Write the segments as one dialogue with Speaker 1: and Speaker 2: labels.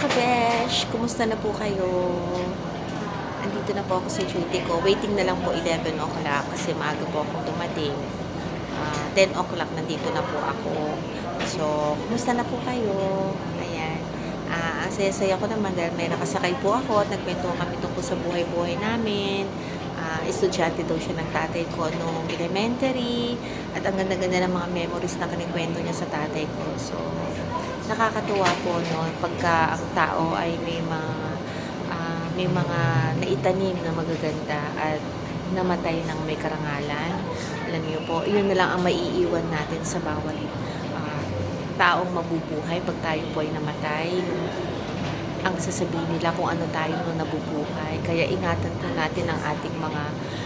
Speaker 1: ka-besh! Kumusta na po kayo? Andito na po ako sa duty ko. Waiting na lang po 11 o'clock kasi maaga po akong dumating. 10 o'clock nandito na po ako. So, kumusta na po kayo? Ayan. Ang saya-saya ko naman dahil may nakasakay po ako at nagkwento kami tungkol sa buhay-buhay namin. Estudyante daw siya ng tatay ko nung elementary at ang ganda-ganda ng mga memories na kinikwento niya sa tatay ko. So, nakakatuwa po no pagka ang tao ay may mga naitanim na magaganda at namatay ng may karangalan. Alam niyo po, yun na lang ang maiiwan natin sa bawat taong mabubuhay pag tayo po ay namatay. Ang sasabihin nila kung ano tayo nung nabubuhay. Kaya ingatan po natin ang ating mga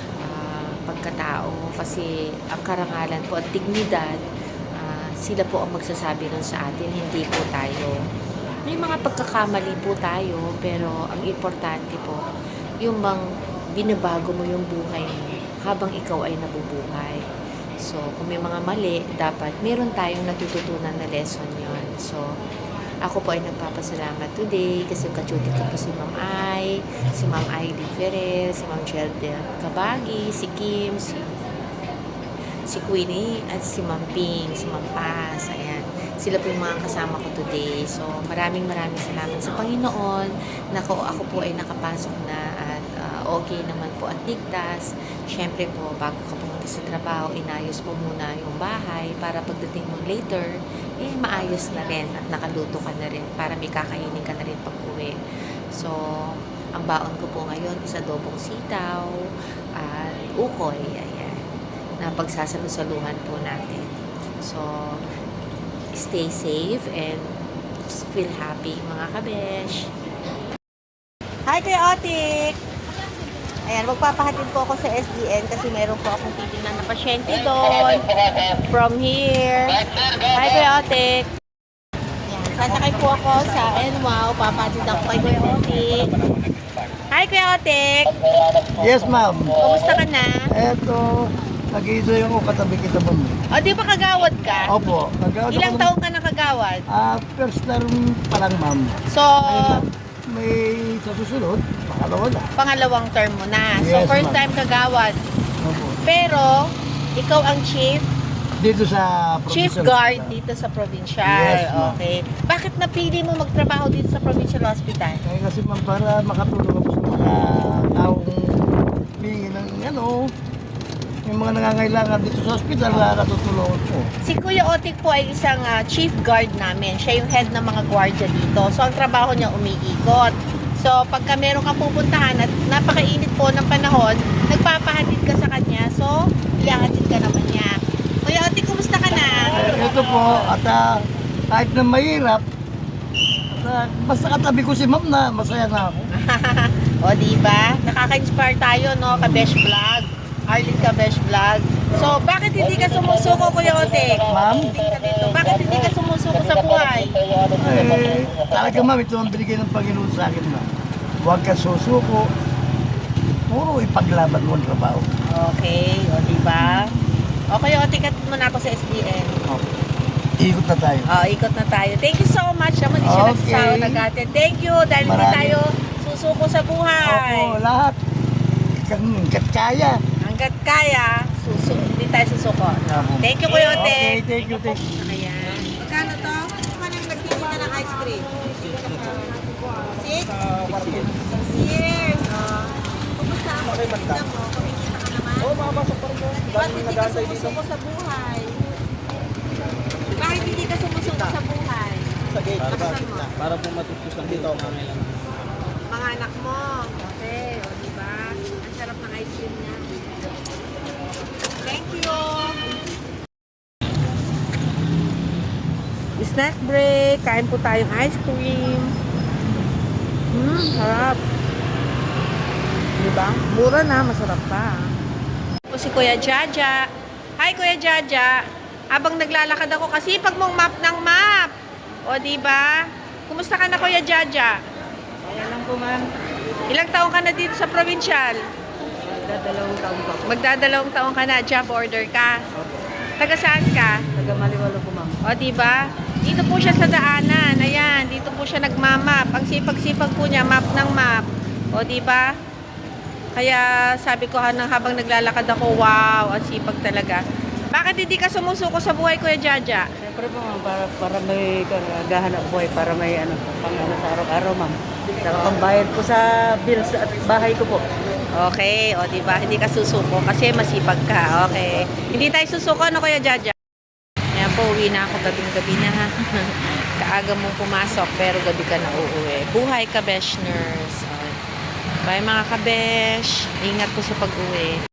Speaker 1: pagkatao kasi ang karangalan po at dignidad sila po ang magsasabi nun sa atin, hindi po tayo. May mga pagkakamali po tayo, pero ang importante po, yung bang binabago mo yung buhay mo habang ikaw ay nabubuhay. So, kung may mga mali, dapat meron tayong natututunan na lesson yon. So, ako po ay nagpapasalamat today kasi kachuti ko po si Ma'am Ai, si Ma'am Aileen Ferrer, si Ma'am Jelda Kabagi, si Kim, si Queenie at si Ma'am Ping, si Ma'am Paz, ayan. Sila po yung mga kasama ko today. So, maraming salamat sa Panginoon na ako po ay nakapasok na at okay naman po at ligtas. Siyempre po, bago ka pumunta sa trabaho, inayos mo muna yung bahay para pagdating mo later, maayos na rin at nakaluto ka na rin para may kakainin ka na rin pag-uwi. So, ang baon ko po ngayon is adobong sitaw at ukoy, ayan, na pagsasalusaluhan po natin. So, stay safe and feel happy mga kabesh. Hi Kuya Otik! Ayan, magpapahatid po ako sa SDN kasi meron po akong titingnan na pasyente doon. From here. Hi Kuya Otik! Ayan, sasakay po ako sa NWOW. Papahatid ako kay Kuya Otik. Hi Kuya Otik!
Speaker 2: Yes, ma'am.
Speaker 1: Kumusta ka na?
Speaker 2: Eto, nag-i-enjoy ako katabi kita, ma'am.
Speaker 1: O, di ba kagawad ka?
Speaker 2: Opo.
Speaker 1: Ilang taon ka na kagawad?
Speaker 2: First term pa lang, ma'am.
Speaker 1: So,
Speaker 2: May sa susunod, makalawa na.
Speaker 1: pangalawang term mo na. So,
Speaker 2: Yes,
Speaker 1: first
Speaker 2: ma'am.
Speaker 1: time kagawad.
Speaker 2: Opo.
Speaker 1: Pero, ikaw ang chief
Speaker 2: Dito sa
Speaker 1: chief
Speaker 2: provincial
Speaker 1: guard
Speaker 2: hospital.
Speaker 1: dito sa provincial.
Speaker 2: Yes, ma'am.
Speaker 1: Okay. Bakit napili mo magtrabaho dito sa provincial hospital?
Speaker 2: Kasi ma'am, para makatulong ako sa mga taong humingi ng yung mga nangangailangan dito sa hospital na natutulungan ko.
Speaker 1: Si Kuya Otik po ay isang chief guard namin. Siya yung head ng mga gwardiya dito. So, ang trabaho niya umiikot. So, pagka meron kang pupuntahan at napakainit po ng panahon, nagpapahatid ka sa kanya. So, ihahatid ka naman niya. Kuya Otik, kumusta ka na?
Speaker 2: Ito po, at kahit na mahirap, basta katabi ko si ma'am na masaya na ako.
Speaker 1: O, diba? Nakaka-inspire tayo, no? Kabesh Vlog. Arlene Kabesh Vlog. So, bakit hindi ka sumusuko, Kuya Otik?
Speaker 2: Ma'am?
Speaker 1: Bakit hindi ka sumusuko sa buhay?
Speaker 2: Talaga ma'am, ito ang binigay ng Panginoon sa akin na huwag ka susuko. Puro ipaglaban mo ang trabaho.
Speaker 1: Okay, o, diba? O, Kuya Otik, katid mo na ako sa SDN.
Speaker 2: Ikot na tayo.
Speaker 1: O, ikot na tayo. Thank you so much. Naman, di siya
Speaker 2: Okay.
Speaker 1: nagsasawa nag-atin. Thank you, dahil hindi
Speaker 2: Maraming-
Speaker 1: tayo susuko sa buhay.
Speaker 2: Opo, lahat. Hanggat kaya.
Speaker 1: Hanggat kaya, hindi tayo susuko. Thank you, Kuya Otik.
Speaker 2: Okay, thank you, thank you.
Speaker 1: Ayan. Magkano to? Kung anong nagtitinda ng ice cream? 6? 6 years. Kumusta ang pagtitinda mo? Kumikita ka naman?
Speaker 2: Oo, makapasok pa rin mo.
Speaker 1: Bakit hindi ka sumusuko sa buhay? Bakit hindi ka sumusuko sa buhay?
Speaker 2: Sa gate.
Speaker 1: Nakasan mo?
Speaker 2: Para po matutusan dito ang mga ilang.
Speaker 1: Mga anak mo. Okay, o diba? Ang sarap ng ice cream niya. Thank you! Snack break. Kain po tayong ice cream. Sarap. Diba? Mura na, masarap pa. Po si Kuya Jaja. Hi Kuya Jaja. Habang naglalakad ako kasi pag mong map ng map. O diba? Kumusta ka na Kuya Jaja?
Speaker 2: Ayan lang po ma'am.
Speaker 1: Ilang taong ka na dito sa provincial?
Speaker 2: Magdadalawang taon pa.
Speaker 1: Magdadalawang taong ka na, job order ka. Taga saan ka?
Speaker 2: Taga Maliwalo po ma'am.
Speaker 1: O, diba? Dito po siya sa daanan. Ayan, dito po siya nagmamap. map. Ang sipag-sipag po niya, map ng map. O, di ba? Kaya sabi ko habang naglalakad ako, wow, ang sipag talaga. Bakit hindi ka sumusuko sa buhay, Kuya Jaja?
Speaker 3: Siyempre po ma'am, para may gahanap buhay, para may pang sa araw-araw ma'am. Saka pambayad po sa bills at bahay ko po.
Speaker 1: Okay, o di ba? Hindi ka susuko kasi masipag ka. Okay. Hindi tayo susuko, ano Kuya Jaja? Ayan po, uwi na ako gabing-gabi na ha. Kaaga mong pumasok pero gabi ka na uuwi. Buhay ka, Beshners. Bye mga kabesh. Ingat po sa pag-uwi.